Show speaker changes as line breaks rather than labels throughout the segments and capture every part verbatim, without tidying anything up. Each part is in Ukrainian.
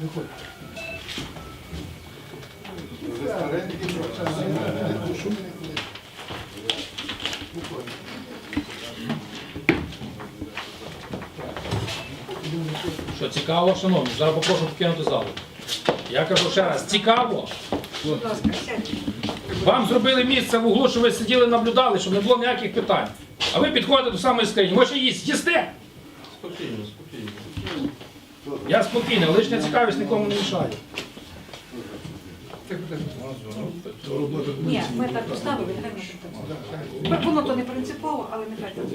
Що, цікаво, шановні? Зараз попрошу покинути залу. Я кажу ще раз, цікаво? Вам зробили місце в углу, щоб ви сиділи, наблюдали, щоб не було ніяких питань. А ви підходите до самої скрині. Ви ще їсть, їсте?
Спокійно, спокійно.
Я спокійний, лишня цікавість нікому не мішає.
Ні, ми так поставили, нехай не так. Воно то не принципово, але нехай так.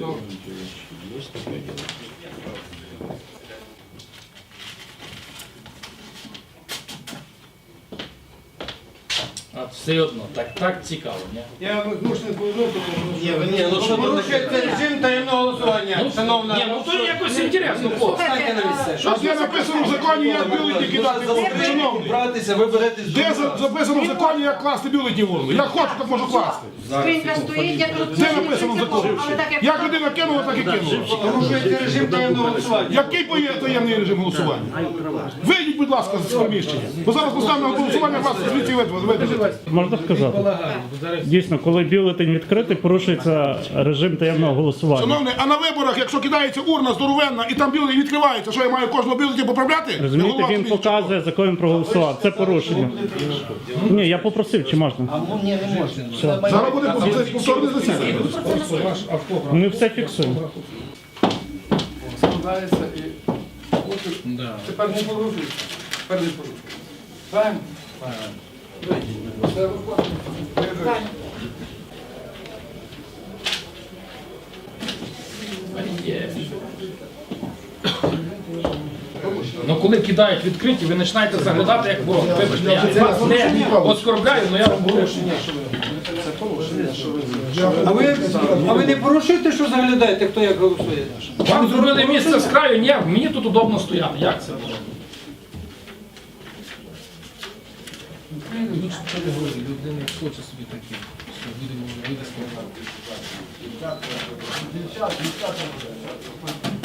А все одно, так, так цікаво, ні?
Я змушений повернути, тому
Ні, ви ні, ну що ви
порушується режим таємного голосування,
Ну,
шановна.
ні, ну то якось інтересно, хлопці.
Станьте на місце.
Що є написано в законі, як бюлетні кидати в урну, шановний?
Братися, ви беретесь до
Де за- записано в законі, як класти бюлетні в урну? Як хочу, так можу класти.
Скринька стоїть, я кажу,
Де
це не
написано в
принципово,
законі?
але так як...
Як людина кинула, так і кинула.
Порушується режим таємного голосування.
Який поє- таємний режим голосування? Вийдіть, будь ласка, з приміщення. Бо зараз поставимо на голосування, вас звідси видадуть.
Можна сказати? Дійсно, коли бюлетень відкритий, порушується режим таємного голосування.
Шановний, а на виборах, якщо кидається урна здоровенна і там бюлетень відкривається, що я маю кожного бюлетня поправляти?
Розумієте,
Голова
він
комісії.
показує, за кого він проголосував. Це порушення. Ні, я попросив, чи можна?
Ні, не можна.
Зараз буде повторне засідання.
Ми все фіксуємо.
Складається і... Тепер не порушується. Тепер не порушується. Правильно? Це виходить.
Ну коли кидають відкриті, ви починаєте заглядати як ворог. Вибачте, я вас не оскорбляю, але я вам говорю, що ні.
А ви, а ви не порушуєте, що заглядаєте, хто як голосує?
Вам зробили місце з краю, ні, мені тут удобно стояти. Як це було? Людина хоче собі такі, що будемо видати.